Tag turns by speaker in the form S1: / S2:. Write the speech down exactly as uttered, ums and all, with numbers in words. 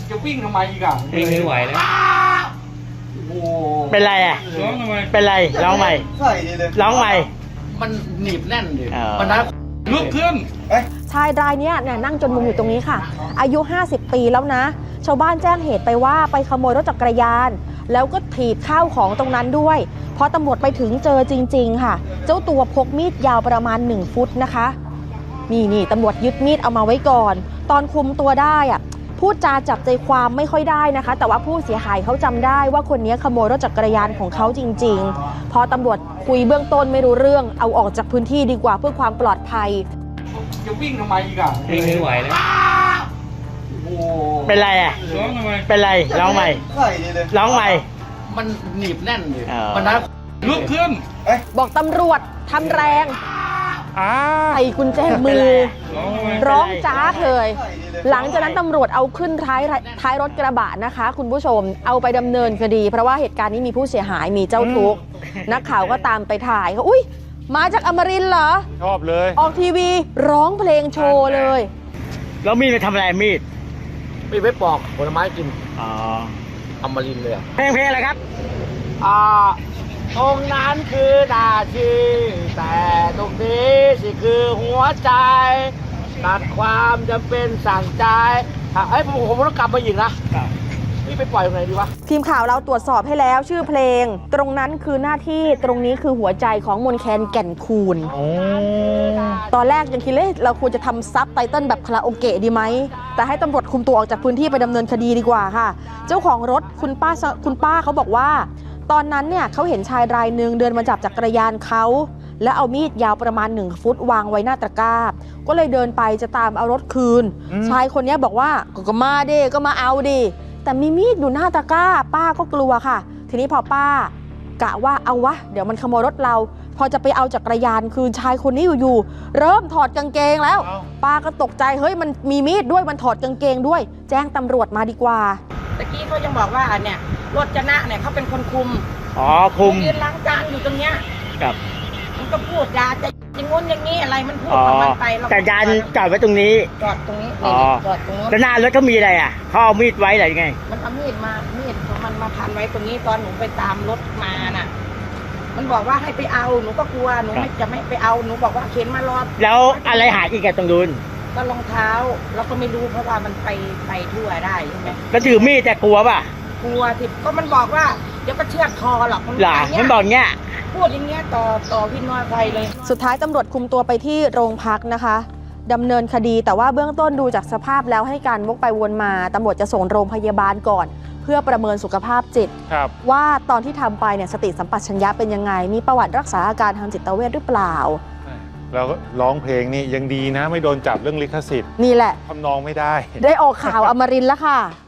S1: จะวิ่งทำไมอีกอ่ะ
S2: วิ่งไม่ไหวแล้ว
S1: โอ้
S3: เป็นไรอ่ะร้องทำไมเป็นไรร้องใหม่ร้องใหม่
S1: มันหนีบแน่นดิ
S3: อ๋อ
S1: มันนะลุกขึ้น
S4: ชายรายเนี้ยเนี่ยนั่งจนมุมอยู่ตรงนี้ค่ะอายุห้าสิบปีแล้วนะชาวบ้านแจ้งเหตุไปว่าไปขโมยรถจักรยานแล้วก็ถีบข้าวของตรงนั้นด้วยพอตำรวจไปถึงเจอจริงๆค่ะเจ้าตัวพกมีดยาวประมาณหนึ่งฟุตนะคะนี่นี่ตำรวจยึดมีดเอามาไว้ก่อนตอนคุมตัวได้อะพูดจาจับใจความไม่ค่อยได้นะคะแต่ว่าผู้เสียหายเขาจำได้ว่าคนนี้ขโมยรถจักรยานของเขาจริงๆพอตำรวจคุยเบื้องต้นไม่รู้เรื่องเอาออกจากพื้นที่ดีกว่าเพื่อความปลอดภัย
S1: จะวิ่งทำไมอีกอ่ะ
S2: วิ่งไม่ไหวแล้ว
S1: โอ้
S3: เป็นไรอ่ะร้องทำไมเป็นไรร้องใหม่ร้องใหม่
S1: มันหนีบแน่นดิ
S3: อ๋อ
S1: มันนะลุกขึ้น
S4: บอกตำรวจทำแรงใส่กุญแจมือร้องจ้าเลยหลังจากนั้นตำรวจเอาขึ้นท้ายท้ายรถกระบะนะคะคุณผู้ชมเอาไปดำเนินคดีเพราะว่าเหตุการณ์นี้มีผู้เสียหายมีเจ้าทุกข์นักข่าวก็ตามไปถ่ายเขาอุ้ยมาจากอมรินทร์เหรอ
S5: ชอบเลย
S4: ออกทีวีร้องเพลงโชว์เลย
S3: แล้วมีดไปทำอะไรมีด
S1: มีไว้ปอกผลไม้กิน
S3: อ๋อ
S1: อมรินทร์เลยอ่ะ
S3: เพลงเพลงอะไรครับ
S1: อ่าตรงนั้นคือหน้าที่แต่ตรงนี้สิคือหัวใจตัดความจำเป็นสั่งใจไอ้ผมผมต้องกลับมาอีกนะนี่ไปปล่อยตรงไหนดีวะ
S4: ทีมข่าวเราตรวจสอบให้แล้วชื่อเพลงตรงนั้นคือหน้าที่ตรงนี้คือหัวใจของมนแคนแก่นคูนตอนแรกยังคิดเลยเราควรจะทำซับไตเติ้ลแบบคาราโอเกะดีไหมแต่ให้ตำรวจคุมตัวออกจากพื้นที่ไปดำเนินคดีดีกว่าค่ะเจ้าของรถคุณป้าคุณป้าเขาบอกว่าตอนนั้นเนี่ยเขาเห็นชายรายหนึ่งเดินมาจับจักรยานเขาแล้วเอามีดยาวประมาณหนึ่งฟุตวางไว้หน้าตะกร้าก็เลยเดินไปจะตามเอารถคืนชายคนนี้บอกว่าก็มาดิก็มาเอาดิแต่มีมีดอยู่หน้าตะกร้าป้าก็กลัวค่ะทีนี้พอป้ากะว่าเอาวะเดี๋ยวมันขโมยรถเราพอจะไปเอาจักรยานคืนชายคนนี้อยู่ๆเริ่มถอดกางเกงแล้วป้าก็ตกใจเฮ้ยมันมีมีดด้วยมันถอดกางเกงด้วยแจ้งตำรวจมาดีกว่า
S6: ตะกี้เขายังบอกว่าเนี่ยรถจนะเนี่ยเขาเป็นคนคุม
S3: อ๋อคุม
S6: ยืนล้างจานอยู่ตรงเนี้ย
S3: ครับ
S6: มันก็พูดยาจะอย่างงู้นอย่างนี้อะไรมันพูดของมันไป
S3: แต่ยานจอดไว้ตรงนี้
S6: จอดตรงนี้จอดตรงนู้น
S3: แล้วหน้ารถเขามีอะไรอ่ะเขาเอามีดไว้อะไรยังไง
S6: มันเอามีดมามีดของมันมาพันไว้ตรงนี้ตอนหนูไปตามรถมาน่ะมันบอกว่าให้ไปเอาหนูก็กลัวหนูไม่จะไม่ไปเอาหนูบอกว่าเข็นมารอ
S3: แล้วอะไรหายอีกอะตรงนู้น
S6: ก็รองเท้าเราก็ไม่รู้เพราะว่ามันไปไปทั่วได้ใช่ไหม
S3: ก็ถือมีดแต่กลัวป่ะ
S6: กลัวที่ก็มันบอกว่าเดี๋ยวก็เชือดคอหรอกมัน
S3: หล่ะมันบอกเงี้ย
S6: พูดอย่างเงี้ยต่อต่อพี่น้อยไปเลย
S4: สุดท้ายตำรวจคุมตัวไปที่โรงพักนะคะดำเนินคดีแต่ว่าเบื้องต้นดูจากสภาพแล้วให้การวกไปวนมาตำรวจจะส่งโรงพยาบาลก่อนเพื่อประเมินสุขภาพจิตว่าตอนที่ทำไปเนี่ยสติสัมปชัญญะเป็นยังไงมีประวัติรักษาอาการทางจิตเวชหรือเปล่า
S5: แล้วร้องเพลงนี่ยังดีนะไม่โดนจับเรื่องลิขสิทธิ์
S4: นี่แหละ
S5: ทำนองไม่ได้
S4: ได้ออกข่าวอมรินทร์แล้วค่ะ